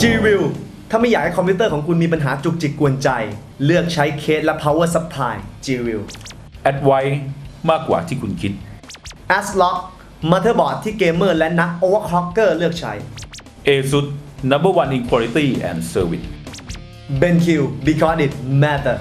G-View ถ้าไม่อยากให้คอมพิวเตอร์ของคุณมีปัญหาจุกจิกกวนใจเลือกใช้เคสและ power supply G-View แอดไวมากกว่าที่คุณคิด ASRock motherboard ที่เกมเมอร์และนัก overclocker เลือกใช้ ASUS number one in quality and service BenQ because it matter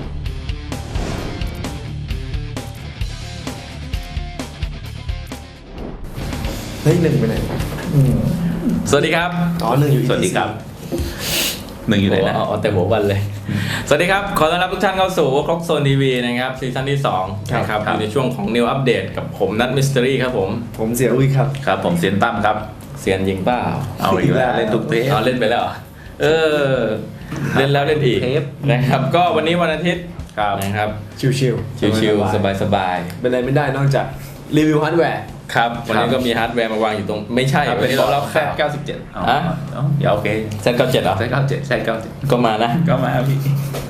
เฮ้ยหนึ่งไปไหนสวัสดีครับอ๋อหนึ่งอยู่สวัสดีครับหนึ่งอยู่ไหนนะเอาแต่หัววันเลย สวัสดีครับ ขอต้อนรับทุกท่านเข้าสู่ครกโซนทีวีนะครับซีซั่นที่2นะครับอยู่ในช่วงของ New Update กับผมนัทมิส t ตอรี่ครับผมเสียอุ้ยครับครับผมเซียนตั้มครับเซียนยิงเปล่าเอาอีกแล้วเล่นทุกเทปเอาเล่นไปแล้วเหรอเล่นแล้วเล่นอีกเทปนะครับก็วันนี้วันอาทิตย์ครับนะครับชิวชิวๆสบายๆเป็นอะไรไม่ได้นอกจากรีวิวฮาร์ดแวร์ๆครับวันนี้ก็มีฮาร์ดแวร์มาวางอยู่ตรงไม่ใช่วันนี้เราเล่าข่าว Z97 อ่ะเดี๋ยวโอเค Z97 เหรอ Z97 ก็มานะก็มาพี่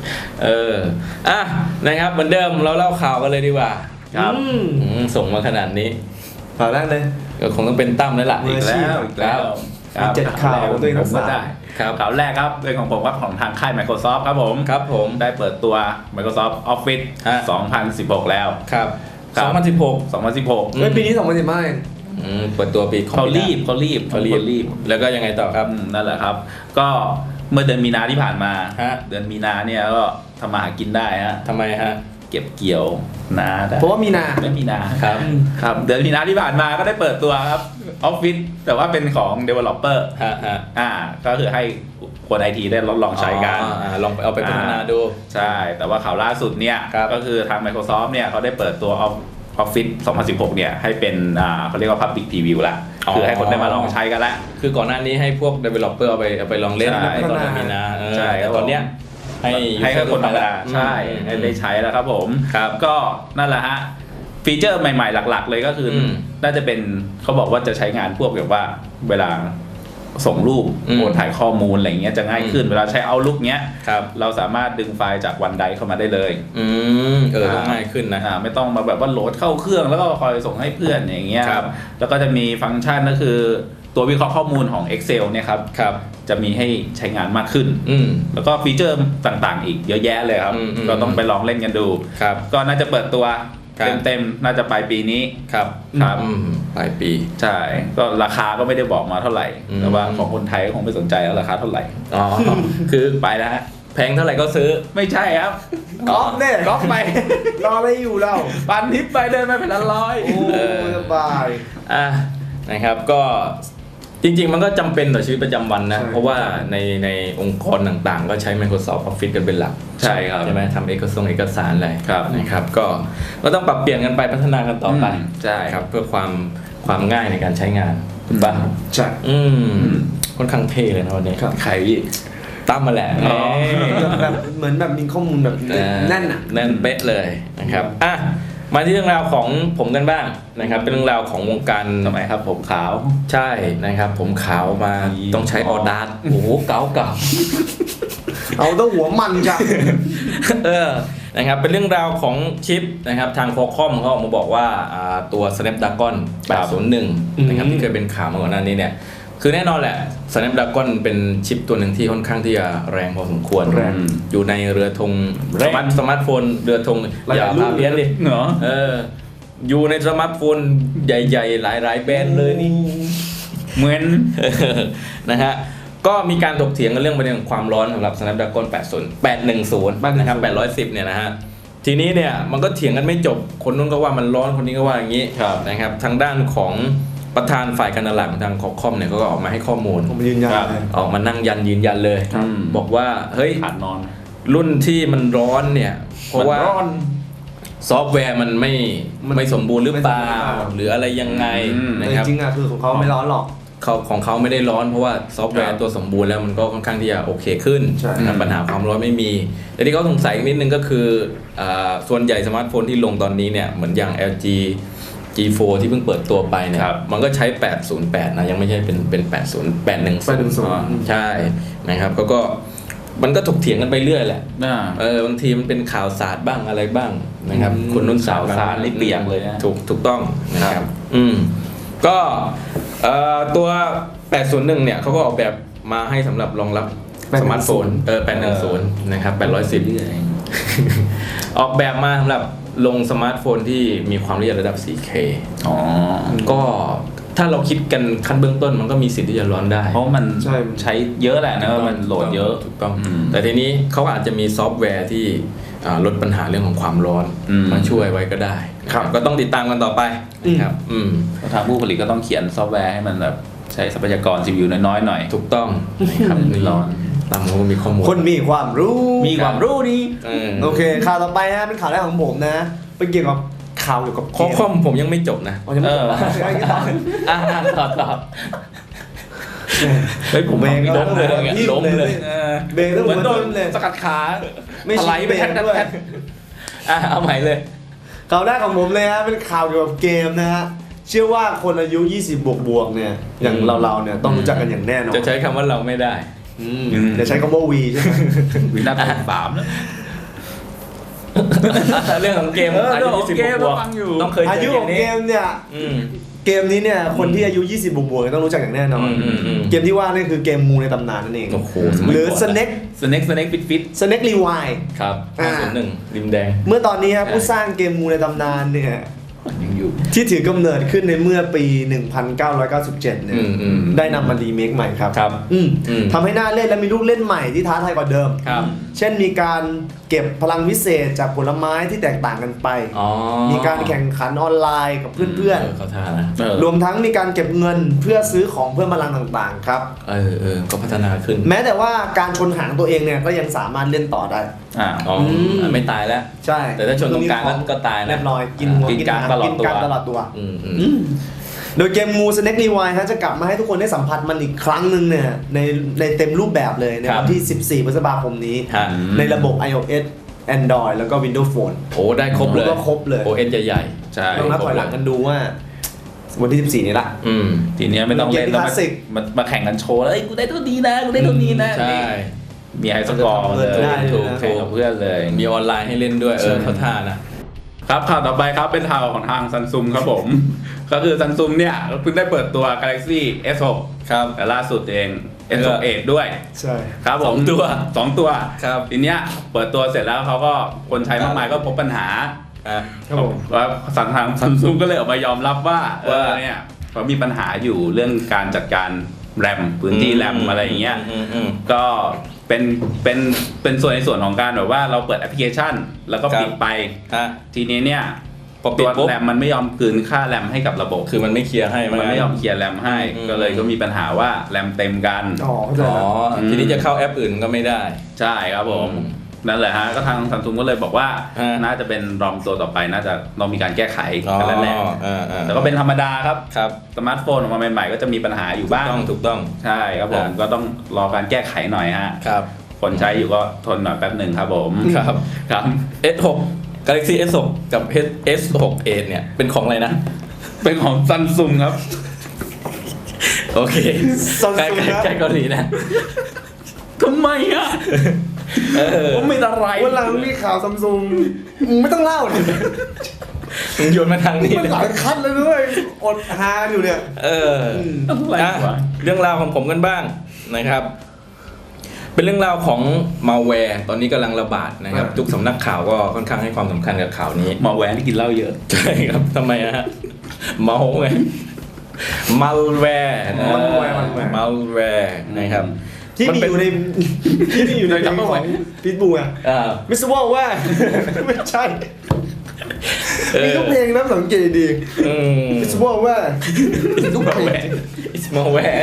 นะครับเหมือนเดิมเราเล่าข่าวกันเลยดีกว่าครับส่งมาขนาดนี้ข่าวแรกเลยก็คงต้องเป็นตั้มแล้วล่ะมือีอก อาชีพแล้วอีกแล้วมีเจ็ดข่าวของตัวเองทั้งผมก็สามได้ครับข่าวแรกครับเป็นของผมครับของทางค่าย Microsoft ครับผมครับผมได้เปิดตัว Microsoft Office ฮะ 2016 แล้วครับครับ 2016 เฮ้ยปีนี้2015เองเปิดตัวปีเขารีบแล้วก็ยังไงต่อครับนั่นแหละครับ ก็เมื่อเดือนมีนาที่ผ่านมาฮะเดือนมีนาเนี่ยก็ทำมาหากินได้ฮะทำไมฮะเก็บเกี่ยวนาได้เพราะว่ามีนาไม่มีนาครับครับเดือนมีนาที่ผ่านมาก็ได้เปิดตัวครับ Office แต่ว่าเป็นของ Developer ฮะก็คือให้คนไอทีได้ลองใช้กันลองเอาไปพัฒนาดูใช่ แต่ว่าข่าวล่าสุดเนี่ยครับก็คือทาง Microsoft เนี่ยเขาได้เปิดตัว Office 2016 เนี่ยให้เป็นเขาเรียกว่า Public Preview ละคือให้คนได้มาลองใช้กันละคือก่อนหน้านี้ให้พวก developer เอาไปลองเล่นใช่ตอนมีนาใช่แต่ตอนเนี้ยให้คนธรรมดาใช่ให้ได้ใช้แล้วครับผมครับก็นั่นแหละฮะฟีเจอร์ใหม่ๆหลักๆ เลยก็คืออมน่าจะเป็นเขาบอกว่าจะใช้งานพวกแบบว่าเวลาส่งรูปอืมโอนถ่ายข้อมูลอะไรเงี้ยจะง่ายขึ้นเวลาใช้ Outlook เนี้ยครับเราสามารถดึงไฟล์จากวันไดเข้ามาได้เลยก็ง่ายขึ้นนะไม่ต้องมาแบบว่าโหลดเข้าเครื่องแล้วก็คอยส่งให้เพื่อนอย่างเงี้ยครับแล้วก็จะมีฟังก์ชันก็คือตัววิเคราะห์ข้อมูลของ Excel เนี่ยครับครับจะมีให้ใช้งานมากขึ้นอืมแล้วก็ฟีเจอร์ต่างๆ อีกเยอะแยะเลยครับอืมก็ต้องไปลองเล่นกันดูครับก็น่าจะเปิดตัวครับเต็มๆน่าจะปลายปีนี้ครับครับปลายปีใช่ก็ราคาก็ไม่ได้บอกมาเท่าไหร่อืมแต่ว่าของคนไทยก็คงไม่สนใจแล้วราคาเท่าไหร่อ๋อ คือไปแล้วฮะแพงเท่าไหร่ก็ซื้อไม่ใช่ครับก๊อฟเนี่ยก๊อฟไปรออะไรอยู่เราปันทิปไปเดินมาเป็นละร้อยโอ้สบายนะครับก็จริงๆมันก็จำเป็นต่อชีวิตประจำวันนะใช่เพราะว่าในองค์กรต่างๆ ก็ใช้ Microsoft Office กันเป็นหลักใช่ครับใช่ไหมทำเอกสารอะไรครับนะครับก็ต้องปรับเปลี่ยนกันไปพัฒนากันต่อไปใช่ครับเพื่อความง่ายในการใช้งานถูกป่ะใช่ค่อนข้างเท่เลยนะวันนี้ครับใครพี่ตั้มมาแหละอ๋อแบบเหมือนแบบมีข้อมูลแบบแน่นอ่ะแน่นเป๊ะเลยนะครับมาที่เรื่องราวของผมกันบ้างนะครับเป็นเรื่องราวของวงการทำไมครับผมขาวใช่นะครับผมขาวมาต้องใช้ออดาร์ โอ้โหเก่าเอาต้องหัวมันจ้ะนะครับเป็นเรื่องราวของชิปนะครับทาง Qualcomm เขาออกมาบอกว่าตัว Snapdragon 801นะครับที่เคยเป็นข่าวมาก่อนหน้านี้เนี่ยคือแน่นอนแหละ Snapdragon เป็นชิปตัวหนึ่งที่ค่อนข้างที่จะแรงพอสมควรแรงอยู่ในเรือธงสมาร์ทโฟนเรือธงอย่าพาเพี้ยนดิเหรออยู่ในสมาร์ทโฟนใหญ่ๆหลายๆแบรนด์เลยนี่เหมือนนะฮะก็มีการถกเถียงกันเรื่องประเด็นความร้อนสำหรับ Snapdragon 810นะครับ810เนี่ยนะฮะทีนี้เนี่ยมันก็เถียงกันไม่จบคนนู้นก็ว่ามันร้อนคนนี้ก็ว่าอย่างนี้ครับนะครับทางด้านของประธานฝ่ายการตลาดของทาง Qualcomm เนี่ยก็ออกมาให้ข้อมูลผมยืนยันครับเลยออกมานั่งยืนยันเลยครับบอกว่าเฮ้ยขาดนอนรุ่นที่มันร้อนเนี่ยเพราะว่ามันร้อนซอฟต์แวร์มันไม่สมบูรณ์หรือเปล่าหรืออะไรยังไงแต่นะครับจริงๆอ่ะคือของเขาไม่ร้อนหรอกของเขาไม่ได้ร้อนเพราะว่าซอฟต์แวครัร์บตัวสมบูรณ์แล้วมันก็ค่อนข้างที่จะโอเคขึ้นใช่นะครับปัญหาความร้อนไม่มีแต่ที่เขาสงสัยนิดนึงก็คือส่วนใหญ่สมาร์ทโฟนที่ลงตอนนี้เนี่ยเหมือนอย่าง LG G4 ที่เพิ่งเปิดตัวไปเนี่ยครับมันก็ใช้808นะยังไม่ใช่เป็น810 ใช่นะครับก็มันก็ถกเถียงกันไปเรื่อยแหละบางทีมันเป็นข่าวสารบ้างอะไรบ้างนะครับคนนู้นสาวข่าวสารนี่เปียกเลยนะถูกต้องนะครับก็ตัว801เนี่ยเขาก็ออกแบบมาให้สำหรับรองรับ 810 สมาร์ทโฟน810นะครับ810ออกแบบมาสำหรับลงสมาร์ทโฟนที่มีความละเอียดระดับ 4K อ๋อก็ถ้าเราคิดกันขั้นเบื้องต้นมันก็มีสิทธิ์ที่จะร้อนได้เพราะมันใช้เยอะแหละนะมันโหลดเยอะถูกต้องแต่ทีนี้เขาอาจจะมีซอฟต์แวร์ที่ลดปัญหาเรื่องของความร้อนมาช่วยไว้ก็ได้ครับก็ต้องติดตามกันต่อไปนะครับทางผู้ผลิตก็ต้องเขียนซอฟต์แวร์ให้มันแบบใช้ทรัพยากร CPU น้อยๆหน่อยถูกต้องนะครับนี่ร้อนตามเขามีข้อมูลคนมีความรู้นี่โอเคข่าวต่อไปฮะเป็นข่าวแรกของผมนะเป็นเกี่ยวกับข่าวเกี่ยวกับข้อความผมยังไม่จบนะยังไม่จบต่อเฮ้ยผมเบรกล้มเลยล้มเลยเบรกต้องเหมือนโดนสกัดขาถลายไปแท็กเอาใหม่เลยข่าวแรกของผมเลยฮะเป็นข่าวเกี่ยวกับเกมนะฮะเชื่อว่าคนอายุ20บวกเนี่ยอย่างเราเนี่ยต้องรู้จักกันอย่างแน่นอนจะใช้คำว่าเราไม่ได้จะใช้คำว่าวีใช่ไหมวีน่าเป็น3แล้วเรื่องของเกมอายุ20บวกต้องเคยอายุของเกมเนี่ยเกมนี้เนี่ยคนที่อายุ20บวกต้องรู้จักอย่างแน่นอนเกมที่ว่านี่คือเกมงูในตำนานนั่นเองหรือ Snake Fit Snake Rewind ครับ1ริมแดงเมื่อตอนนี้ครับผู้สร้างเกมงูในตำนานเนี่ยที่ถือกำเนิดขึ้นในเมื่อปี 1997 เนี่ยได้นำมารีเมคใหม่ครับทำให้น่าเล่นและมีลูกเล่นใหม่ที่ท้าทายกว่าเดิมเช่นมีการเก็บพลังวิเศษจากผลไม้ที่แตกต่างกันไปมีการแข่งขันออนไลน์กับเพื่อนๆรวมทั้งมีการเก็บเงินเพื่อซื้อของเพิ่มพลังต่างๆครับก็พัฒนาขึ้นแม้แต่ว่าการชนหางตัวเองเนี่ยก็ยังสามารถเล่นต่อได้ไม่ตายแล้วใช่แต่ถ้าชนตรงกลางก็ตายนะเรียบร้อยกินหัวกินการตลอดตัวโดยเกมงู Snake Rewind ฮะจะกลับมาให้ทุกคนได้สัมผัสมันอีกครั้งหนึ่งเนี่ยในเต็มรูปแบบเลยในวันที่14พฤษภาคมนี้ในระบบ iOS Android แล้วก็ Windows Phone โอ้ได้ครบเลยก็ครบเลย OS ใหญ่ๆใช่ต้องนับถอยหลังกันดูว่าวันที่14นี้ละทีนี้ไม่ต้องเล่นแล้วมาแข่งกันโชว์แล้วกูได้เท่านี้นะกูได้เท่านี้นะใช่มีไฮสกอร์เลยถูกกับเพื่อนเลยมีออนไลน์ให้เล่นด้วยเขาท่านะครับข่าวต่อไปครับเป็นข่าวของทาง Samsung ครับผมก็คือ Samsung เนี่ยเพิ่งได้เปิดตัว Galaxy S6 ครับแต่ล่าสุดเอง S6 Edge ด้วยใช่ครับผม2 ตัวครับทีเนี้ยเปิดตัวเสร็จแล้วเขาก็คนใช้มากมายก็พบปัญหาครับผมแล้วทาง Samsung ก็เลยออกมายอมรับว่าเนี่ยเขามีปัญหาอยู่เรื่องการจัดการแรมพื้นที่แรมอะไรอย่างเงี้ยก็เป็นส่วนในส่วนของการแบบว่าเราเปิดแอปพลิเคชันแล้วก็ปิดไปทีนี้เนี่ยตัวแรมมันไม่ยอมคืนค่าแรมให้กับระบบคือมันไม่เคลียร์ให้มันไม่ยอมเคลียร์แรมให้ก็เลยก็มีปัญหาว่าแรมเต็มกันทีนี้จะเข้าแอปอื่นก็ไม่ได้ใช่ครับผมนั่นแหละฮะก็ทาง Samsung ก็เลยบอกว่าน่าจะเป็นรอมตัวต่อไปน่าจะต้องมีการแก้ไขกันแล้วแหละแต่ก็เป็นธรรมดาครับสมาร์ทโฟนออกมาใหม่ๆก็จะมีปัญหาอยู่บ้างถูกต้องใช่ครับผมก็ต้องรอการแก้ไขหน่อยฮะคนใช้อยู่ก็ทนหน่อยแป๊บหนึ่งครับผมครับ S6 Galaxy S6 กับ S6 Edge เนี่ยเป็นของอะไรนะเป็นของ Samsung ครับโอเคใกล้เกาหลีนะทำไมอ่ะผมไม่อะไรวันหลังมีข่าว Samsung ไม่ต้องเล่าเลยโยนมาทางนี้มันหลายคัดเลยด้วยอดฮาอยู่เนี่ยเรื่องราวของผมกันบ้างนะครับเป็นเรื่องราวของมัลแวร์ตอนนี้กำลังระบาดนะครับทุกสำนักข่าวก็ค่อนข้างให้ความสำคัญกับข่าวนี้มัลแวร์ที่กินเหล้าเยอะใช่ครับทำไมฮะเมาไงมัลแวร์นะครับที่มีอยู่ในของพิทบูอ่ะมิสวอลว่าไม่ใช่มีทุกเพลงนะสังเกตดีมิสวอลว่าทุกเพลงมัลแวร์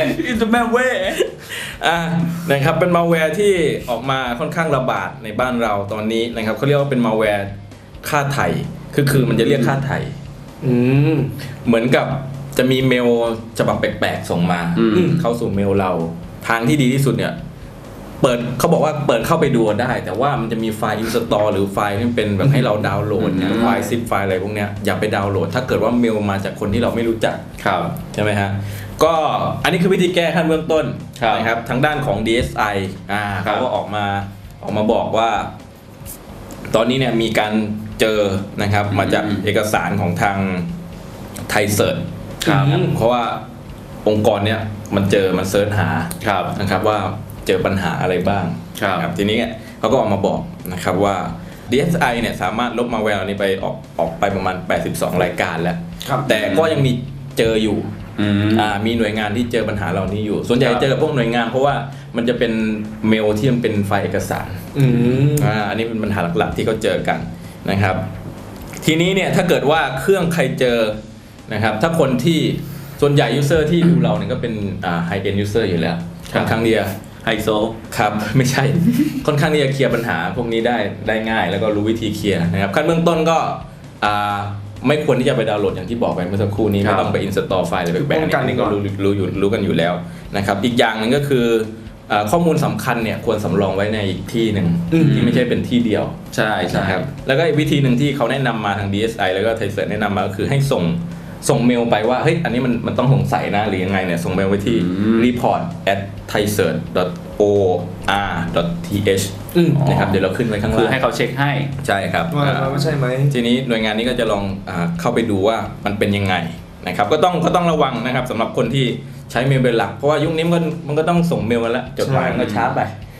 นะครับเป็นมัลแวร์ที่ออกมาค่อนข้างระบาดในบ้านเราตอนนี้นะครับเขาเรียกว่าเป็นมัลแวร์ค่าไถ่คือมันจะเรียกค่าไถ่เหมือนกับจะมีเมลฉบับแปลกๆส่งมาเข้าสู่เมลเราทางที่ดีที่สุดเนี่ยเขาบอกว่าเปิดเข้าไปดูได้แต่ว่ามันจะมีไฟล์ install หรือไฟล์ที่เป็นแบบให้เราดาวน์โหลดเนี่ยไฟล์ซิปไฟล์อะไรพวกเนี้ยอย่าไปดาวน์โหลดถ้าเกิดว่าเมลมาจากคนที่เราไม่รู้จักใช่ไหมฮะก็อันนี้คือวิธีแก้ขั้นเบื้องต้นนะครับทางด้านของ DSI เขาก็ออกมาบอกว่าตอนนี้เนี่ยมีการเจอนะครับมาจากเอกสารของทางไทยเซิร์ชเพราะว่าองค์กรเนี้ยมันเซิร์ชหาครับนะครับว่าเจอปัญหาอะไรบ้างครับทีนี้เขาก็ออกมาบอกนะครับว่า DSI เนี่ยสามารถลบมาแวร์นี้ไปออกไปประมาณ82รายการแล้วครับแต่ก็ยังมีเจออยู่อืมมีหน่วยงานที่เจอปัญหาเหล่านี้อยู่ ส่วนใหญ่ครับเจอกับพวกหน่วยงานเพราะว่ามันจะเป็นเมลที่มันเป็นไฟล์เอกสาร อันนี้เป็นปัญหาหลักๆที่เขาเจอกันนะครับ ทีนี้เนี่ยถ้าเกิดว่าเครื่องใครเจอนะครับถ้าคนที่ส่วนใหญ่ยูเซอร์ที่ดูเราเนี่ยก็เป็นhigh end user อยู่แล้วค่อนข้างที่จะไฮโซครับ ไม่ใช่ ค่อนข้างที่จะเคลียร์ปัญหาพวกนี้ได้ง่าย แล้วก็รู้วิธีเคลียร์นะครับขั้นเบื้องต้นก็ไม่ควรที่จะไปดาวน์โหลดอย่างที่บอกไปเมื่อสักครู่นี้ครับไม่ต้องไป install ไฟล์อะไรแปลกๆป้องกันอันนี้ก็ก่อนรู้กันอยู่แล้วนะครับอีกอย่างหนึ่งก็คือข้อมูลสำคัญเนี่ยควรสำรองไว้ในอีกที่หนึ่งที่ไม่ใช่เป็นที่เดียวใช่ใช่นะครับแล้วก็อีกวิธีหนึ่งที่เขาแนะนำมาทาง DSI แล้วก็ไทยเซิร์ชแนะนำมาก็คือให้ส่งเมลไปว่าเฮ้ยอันนี้มันต้องสงสัยนะหรือยังไงเนี่ยส่งเมลไปที่ report@thaisearch.or.th นะครับเดี๋ยวเราขึ้นไว้ข้างคือล่างให้เขาเช็คให้ใช่ครับว่าใช่ไหมทีนี้หน่วยงานนี้ก็จะลองเข้าไปดูว่ามันเป็นยังไงนะครับก็ต้องระวังนะครับสำหรับคนที่ใช้เมลเป็นหลักเพราะว่ายุคนี้มันก็ต้องส่งเมลกันแล้วจดหมายมันก็ช้าไป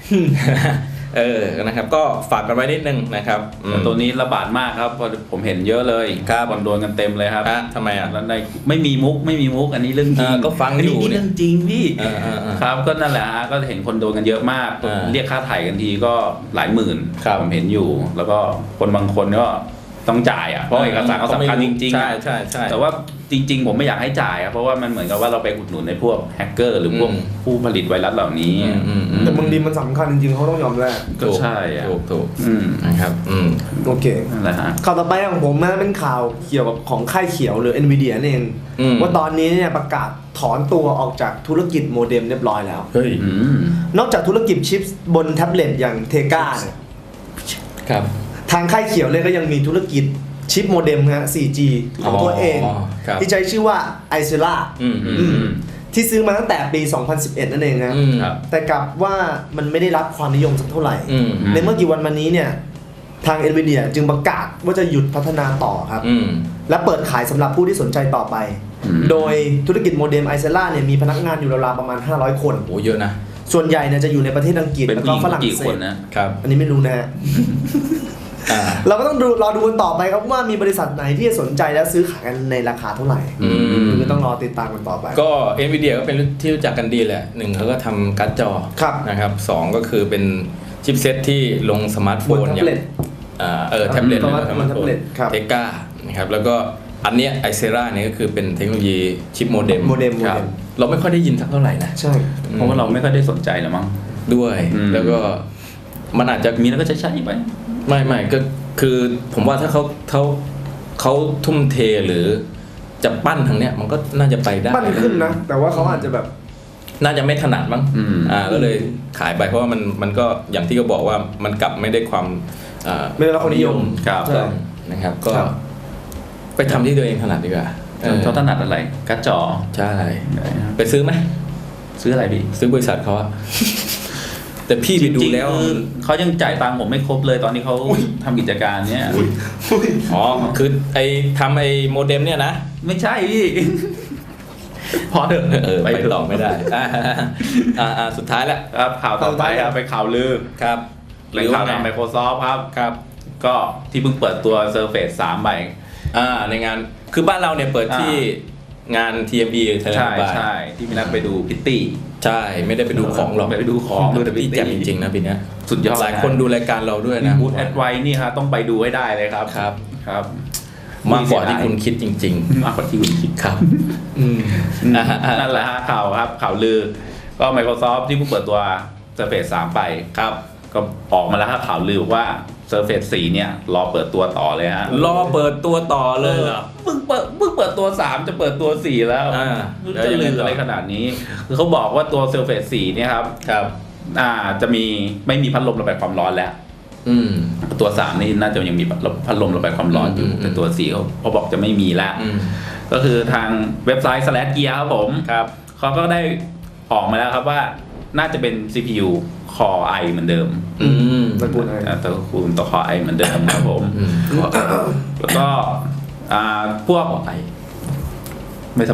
นะครับก็ฝากกันไว้นิดนึงนะครับแต่ตัวนี้ระบาดมากครับเพราะผมเห็นเยอะเลยครับคนโดนกันเต็มเลยครับทำไมอ่ะแล้วในไม่มีมุกอันนี้เรื่องจริงก็ฟังอยู่นี่เรื่องจริงพี่อ่าครับก็นั่นแหละฮะก็เห็นคนโดนกันเยอะมาก เรียกค่าไถ่กันทีก็หลายหมื่นครับผมเห็นอยู่ แล้วก็คนบางคนก็ต้องจ่ายอ่ะเพราะเอกสารเขาสำคัญจริงๆใช่อะใช่ใช่แต่ว่าจริง ๆ ผมไม่อยากให้จ่ายอะเพราะว่ามันเหมือนกับว่าเราไปอุดหนุนในพวกแฮกเกอร์หรือพวกผู้ผลิตไวรัสเหล่านี้แต่บางทีมันสำคัญจริงๆเขาต้องยอมแลกก็ใช่อะถูกอืมนะครับโอเคนั่นแหละฮะข่าวต่อไปของผมนะเป็นข่าวเกี่ยวกับของค่ายเขียวหรือ Nvidia นั่นเอง ว่าตอนนี้เนี่ยประกาศถอนตัวออกจากธุรกิจโมเด็มเรียบร้อยแล้วเฮ้ยอืมนอกจากธุรกิจชิปบนแท็บเล็ตอย่างเทกาเนี่ยครับทางค่ายเขียวเนี่ยก็ยังมีธุรกิจชิปโมเด็มฮะ 4G ของตัวเองครับที่ใช้ชื่อว่า i s e l a ที่ซื้อมาตั้งแต่ปี 2011 นั่นเองนะครับแต่กลับว่ามันไม่ได้รับความนิยมสักเท่าไหร่อืมในเมื่อกี่วันมานี้เนี่ยทาง Nvidia จึงประกาศว่าจะหยุดพัฒนาต่อครับ และเปิดขายสำหรับผู้ที่สนใจต่อไป โดยธุรกิจโมเด็ม i s e l a เนี่ยมีพนักงานอยู่ราวๆประมาณ 500 คนโอ้เยอะนะส่วนใหญ่เนี่ยจะอยู่ในประเทศอังกฤษเป็นแล้วผู้ก็หญิงฝรั่งกี่เศคนสนะครับอันนี้ไม่รู้นะฮะ เราก็ต้องรอดูกันต่อไปครับว่ามีบริษัทไหนที่จะสนใจและซื้อขายกันในราคาเท่าไหร่คือต้องรอติดตามกันต่อไปก็ Nvidia ก็เป็นที่รู้จักกันดีแหละหนึ่งเขาก็ทำการ์ดจอครับนะครับสองก็คือเป็นชิปเซ็ตที่ลงสมาร์ทโฟนบนแท็บเล็ตแท็บเล็ตสมาร์ทแท็บเล็ตครับเทก้านะครับแล้วก็อันเนี้ยไอเซราเนี่ยก็คือเป็นเทคโนโลยีชิปโมเด็มโมเด็มครับเราไม่ค่อยได้ยินสักเท่าไหร่นะใช่เพราะว่าเราไม่ค่อยได้สนใจหรอมั้งด้วย แล้วก็มันอาจจะมีแล้วก็ใช้ไปไม่ก็คือผมว่าถ้าเขาทุ่มเทหรือจะปั้นทางเนี้ยมันก็น่าจะไปได้ปั้นขึ้นนะ แต่ว่าเขาอาจจะแบบน่าจะไม่ถนัดมั้ง ก็เลยขายไปเพราะว่ามันก็อย่างที่เขาบอกว่ามันกลับไม่ได้ความไม่ได้รับความนิยมครับใช่นะครับก็ครับไปทำที่ตัวเองถนัดดีกว่าเขาถนัดอะไรการ์ดจอใช่ไปซื้อไหมซื้ออะไรพี่ซื้อบริษัทเขาอะ แต่พี่ไปดูแล้วจริงๆเขายังจ่ายตังค์ผมไม่ครบเลยตอนนี้เขาทำกิจการเนี้ยอ๋อคือไอ้ทำไอ้โมเด็มเนี่ยนะไม่ใช่พี่ พอเถอะไปต่อไม่ได้สุดท้ายแล้วครับข่าวต่อไปครับไปข่าวลือครับแหล่งข่าวทาง Microsoft ครับ ก็ที่เพิ่งเปิดตัว Surface 3ใบในงานคือบ้านเราเนี่ยเปิดที่งาน TME ใช่ที่มีนัดไปดูพิตตี้ใช่ไม่ได้ไปดูของหรอกไปดูของดูแต่พี่แจ่มจริงๆนะปีนี้สุดยอดหลายคนดูรายการเราด้วยนะบูธแอดไวนี่ครับต้องไปดูให้ได้เลยครับ ครับมากกว่าที่คุณคิดจริงมากกว่าที่คุณคิดๆ ครับนั่นแหละฮะข่าวครับข่าวลือก็ Microsoft ที่เพิ่งเปิดตัว Surface 3 ไปครับก็ออกมาแล้วครับข่าวลือว่า Surface 4 เนี่ยรอเปิดตัวต่อเลยฮะรอเปิดตัวต่อเลยเหรอเพิ่งเปิดตัว 3 จะเปิดตัว 4 แล้วจะลืออะไรขนาดนี้คือเขาบอกว่าตัว Surface 4 เนี่ยครับจะไม่มีพัดลมระบายความร้อนแล้วตัว 3 นี่น่าจะยังมีพัดลมระบายความร้อนอยู่แต่ตัว 4 เขาบอกจะไม่มีแล้วก็คือทางเว็บไซต์ /gear ครับผมเขาก็ได้ออกมาแล้วครับว่าน่าจะเป็น CPU Core i เหมือนเดิมตระกูลไอตระกูลตัว Core i เหมือนเดิมครับผมแล้วก็พวกไอไม่สบาย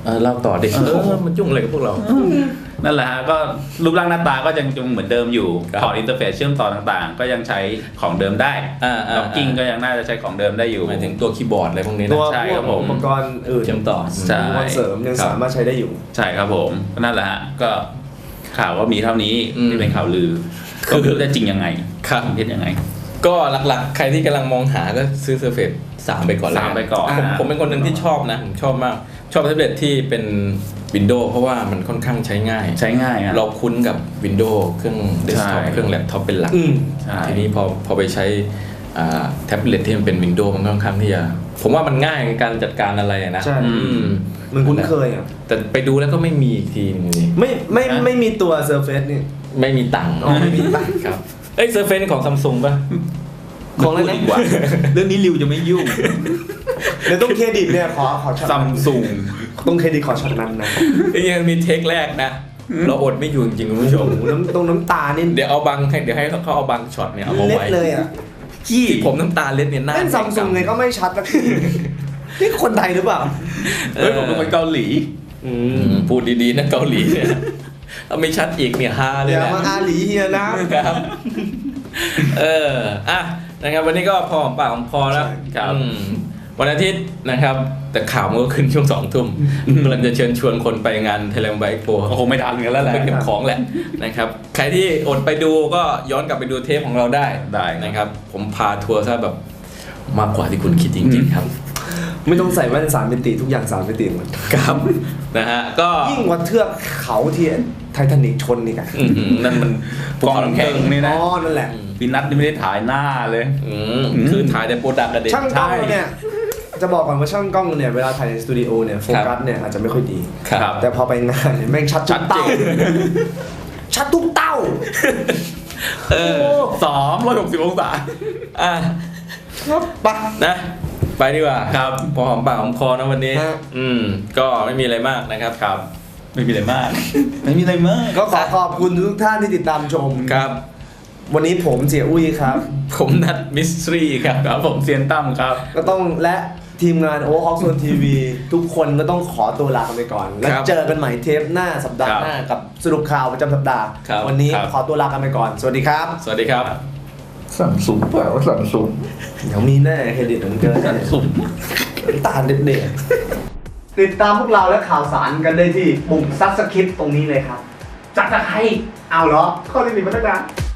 เล่าต่อดิมันยุ่งอะไรกับพวกเรานั่นแหละฮะก็รูปร่างหน้าตาก็ยังเหมือนเดิมอยู่ครับพอร์ตอินเทอร์เฟซเชื่อมต่อต่างๆ ก็ยังใช้ของเดิมได้ล็อกกิ้งก็ยังน่าจะใช้ของเดิมได้อยู่หมายถึงตัวคีย์บอร์ดอะไรพวกนี้ตันะวใช่พคว รักบผมอุปกรณ์อื่นเชื่อมต่อใช่อุปกรณ์เสริมยังสามารถใช้ได้อยู่ใช่ครับผมนั่นแหละฮะก็ข่าวก็มีเท่านี้อืมที่เป็นข่าวลือคือก็ไม่รู้จะจริงยังไงครับเท็จยังไงก็หลักๆ ใครที่กำลังมองหาก็ซื้อ Surface 3 ไปก่อนแล้ว 3ไปก่อนผมเป็นคนหนึ่งที่ชอบนะผมชอบมากชอบแท็บเล็ตที่เป็น Windows เพราะว่ามันค่อนข้างใช้ง่ายใช้ง่ายอะเราคุ้นกับ Windows เครื่องเดสก์ท็อปใช่เครื่องแล็ปท็อปเป็นหลักอืมใช่ทีนี้พอไปใช้แท็บเล็ตที่มันเป็น Windows มันค่อนข้างที่จะผมว่ามันง่ายในการจัดการอะไรอะนะใช่อืมมันคุ้นเคยอ่ะแต่ไปดูแล้วก็ไม่มีอีกทีนึงนี่ไม่มีตัว Surface นี่ไม่มีตังค์อ๋อไม่มีตังค์ครับSurface ของ Samsung ป่ะของอะไรนะดีกว่า เรื่องนี้ริวจะไม่ยุ่งเดี๋ยวต้องเครดิตเนี่ยขอช็อตซัมซุงต้องเครดิตขอช็อตนั้นนะยังมีเทคแรกนะ เราอดไม่อยู่จริงๆคุณผู้ชมโอ้โหน้ำตานี่เดี๋ยวให้เขาเอาบางช็อตเนี่ยเอามาเล็ดไว้เลยอ่ะที่ผมน้ำตาเล็ดเนี่ยหน้าเล่นซัมซุงไงก็ไม่ชัดสักทีนี่คนไทยหรือเปล่าเฮ้ยผมเป็นคนเกาหลีพูดดีๆนะเกาหลีเนี่ยถ้าไม่ชัดอีกเนี่ยฮาเลยเดี๋ยวนะมาอาหลีเฮียนะครับอ่ะนะครับวันนี้ก็พอหอมปากหอมคอแล้วครับวันอาทิตย์นะครับ แต่ข่าวมันก็ขึ้นช่วง2 ทุ่มกำลังจะเชิญชวนคนไปงาน Thailand Bike Expo ก็คงไม่ทันกันแล้วแหละไปเก็บของแหละนะครับใครที่อดไปดูก็ย้อนกลับไปดูเทปของเราได้ได้นะครับ ผมพาทัวร์ซะแบบมากกว่าที่คุณคิดจริงๆครับไม่ต้องใส่แว่น3 มิติทุกอย่าง3 มิติหมดครับนะฮะก็ยิ่งกว่าเทือกเขาที่ไททานิกชนนี่กันนั่นมันกองแข่งนี่อ๋นะอนั่นแหละพี่นัทนี่ไม่ได้ถ่ายหน้าเลยคือถ่ายแต่โปรดักต์อะเด็กช่างกล้องเนี่ยจะบอกก่อนว่าช่างกล้องเนี่ยเวลาถ่ายในสตูดิโอเนี่ยโฟกัสเนี่ยอาจจะไม่ค่อยดีครับแต่พอไปงานเนี่ยแม่งชัดทุกเต้าชัดทุกเต้า 360 องศาอ่ะครับปะนะไปดีกว่าครับพอหอมปากหอมคอนะวันนี้ฮะก็ไม่มีอะไรมากนะครับครับ ไม่มีอะไรมาก ไม่มีอะไรมากก็ขอขอบคุณทุกท่านที่ติดตามชมครับวันนี้ผมเจียอุ้ยครับผมนัดมิสทรีครับครับผมเซียนตั้มครับก็ต้องและทีมงานโอเวอร์ฮอคโซนทีวีทุกคนก็ต้องขอตัวลากันไปก่อน แล้วครับเจอกันใหม่เทปหน้าสัปดาห์หน้ากับสรุปข่าวประจำสัปดาห์ครับวันนี้ครับขอตัวลากันไปก่อน สวัสดีครับสวัสดีครับซัมซุงเปล่าซัมซุงเดี๋ยวมีแน่เครดิตของเจอซัมซุงตาเด็ดๆติดตามพวกเราและข่าวสารกันได้ที่ปุ่มซับสคริปต์ตรงนี้เลยครับจักรใครเอาเหรอข้อที่หนึ่งมาตั้งนาน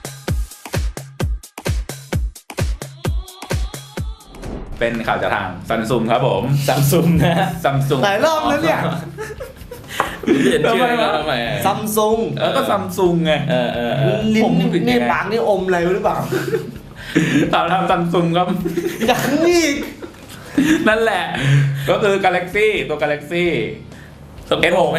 เป็นข่าวจากทางซัมซุงครับผมซัมซุงนะฮะซัมซุงหลายรอบแล้วเนี่ยเปลี่ยนชื่อให้เขาทำไมซัมซุงแล้วก็ซัมซุงไงลิ้ผมนนี่ผิดยังไงนี่ปากนี่อมอะไรหรือเปล่าข่าวทางซัมซุงครับอย่างนี้นั่นแหละ ก็คือ Galaxy ตัว Galaxy ต้องโผล่ไหม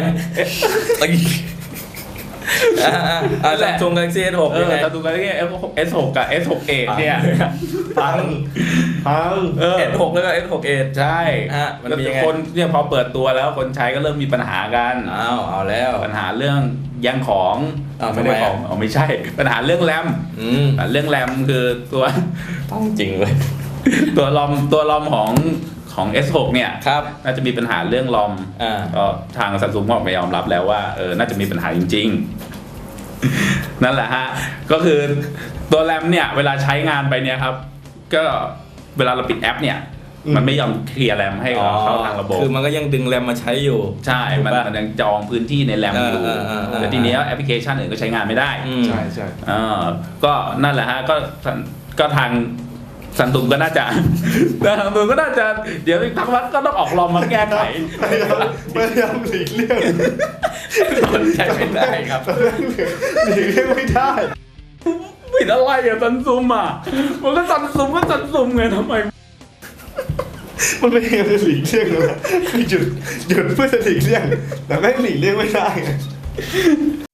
ซัมซุง Galaxy S6 ยังไงซัมซุง Galaxy S6 กับ S6Edge เนี่ยพัง S6 แล้วก็ S6Edge ใช่ฮะมันมียังไงคนเนี่ยพอเปิดตัวแล้วคนใช้ก็เริ่มมีปัญหากันเอาแล้วปัญหาเรื่องแย่งของทำไมไม่ได้ของไม่ใช่ ปัญหาเรื่องแรมเรื่องแรมคือตัวต้องจริงเลยตัวลอมของ S6 เนี่ยครับน่าจะมีปัญหาเรื่องลอมก็ทางซัมซุงก็ออกมายอมรับแล้วว่าน่าจะมีปัญหาจริงๆ นั่นแหละฮะก็คือตัวแรมเนี่ยเวลาใช้งานไปเนี่ยครับก็เวลาเราปิดแอปเนี่ยมันไม่ยอมเคลียร์แรมให้เข้าทางระบบคือมันก็ยังดึงแรมมาใช้อยู่ใช่มันยังจองพื้นที่ในแรมอยู่ แต่ทีนี้แอปพลิเคชันอื่นก็ใช้งานไม่ได้ใช่ใช่ก็นั่นแหละฮะก็ทางซัมซุงก็น่าจะ ทางซัมซุงก็น่าจะเดี๋ยวทางวัดก็ต้องออกลอมมาแก้ไขพยายามหลีกเลี่ยงใช้ไม่ได้ครับหลีกเลี่ยงไม่ได้ผิดอะไรอะซัมซุงอ่ะมันก็ซัมซุงไงทำไมมันไม่ยังจะหลีกเลี่ยงเลยคือหยุดเพื่อจะหลีกเลี่ยงแต่แม่งหลีกเลี่ยงไม่ได้